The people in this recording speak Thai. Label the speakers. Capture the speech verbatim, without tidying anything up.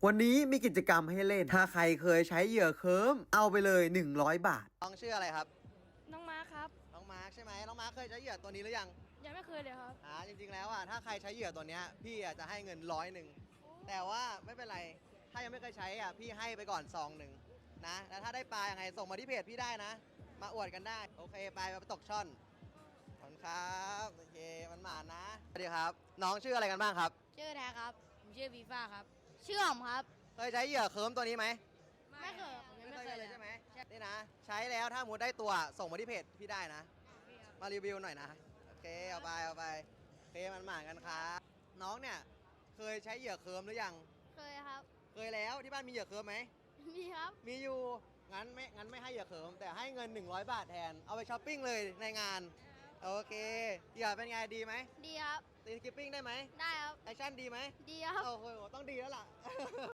Speaker 1: วันนี้มีกิจกรรมให้เล่น ถ้าใครเคยใช้เหยื่อเคิร์มเอาไปเลยหนึ่งร้อยบาทน้องชื่ออะไรครับ
Speaker 2: น้องมาร์คครับ
Speaker 1: น้องมาร์คใช่ไหมน้องมาร์คเคยใช้เหยื่อตัวนี้หรือยัง
Speaker 2: ยังไม่เคยเลยครับ
Speaker 1: อ่าจริงๆแล้วอ่ะถ้าใครใช้เหยื่อตัวเนี้ยพี่อ่ะจะให้เงินร้อยหนึ่งแต่ว่าไม่เป็นไรถ้ายังไม่เคยใช้อ่ะพี่ให้ไปก่อนซองหนึ่งนะแล้วถ้าได้ปลายังไงส่งมาที่เพจพี่ได้นะมาอวดกันได้โอเคไปไปตกช่อนขอบคุณครับโอเคมันหมานะสวัสดีครับน้องชื่ออะไรกันบ้างครับ
Speaker 2: ชื่อแท้ครับผมชื่อฟีฟ่าครับชื่อหอมครับ
Speaker 1: เคยใช้เหยื่อเคิร์มตัวนี้ไหม
Speaker 2: ไม่เคยผมยัง
Speaker 1: ไม่
Speaker 2: ไม่
Speaker 1: เค
Speaker 2: เค
Speaker 1: ย
Speaker 2: ย
Speaker 1: เล
Speaker 2: เลย ย
Speaker 1: ใช่ไหมนี่นะใช้แล้วถ้ามูดได้ตัวส่งมาที่เพจพี่ได้นะมารีวิวหน่อยนะโอเคเอาไปเอาไปโอเคมันหมากันครับน้องเนี่ยเคยใช้เหยื่อเคิร์มหรือยัง
Speaker 2: เคยครับ
Speaker 1: เคยแล้วที่บ้านมีเหยื่อเคิร์มไหม
Speaker 2: มีครับ
Speaker 1: มีอยู่งั้นไม่งั้นไม่ให้เหยื่อเคิร์มแต่ให้เงินหนึ่งร้อยบาทแทนเอาไปช้อปปิ้งเลยในงานโอเคเหยื่อเป็นไงดีไหม
Speaker 2: ดีครับ
Speaker 1: ตีสกิปปิ้งได้ไหม
Speaker 2: ได้ครับ
Speaker 1: แอคชั่นดีไหม
Speaker 2: ดีครับ
Speaker 1: โอ้โหต้องดีแล้วล่ะ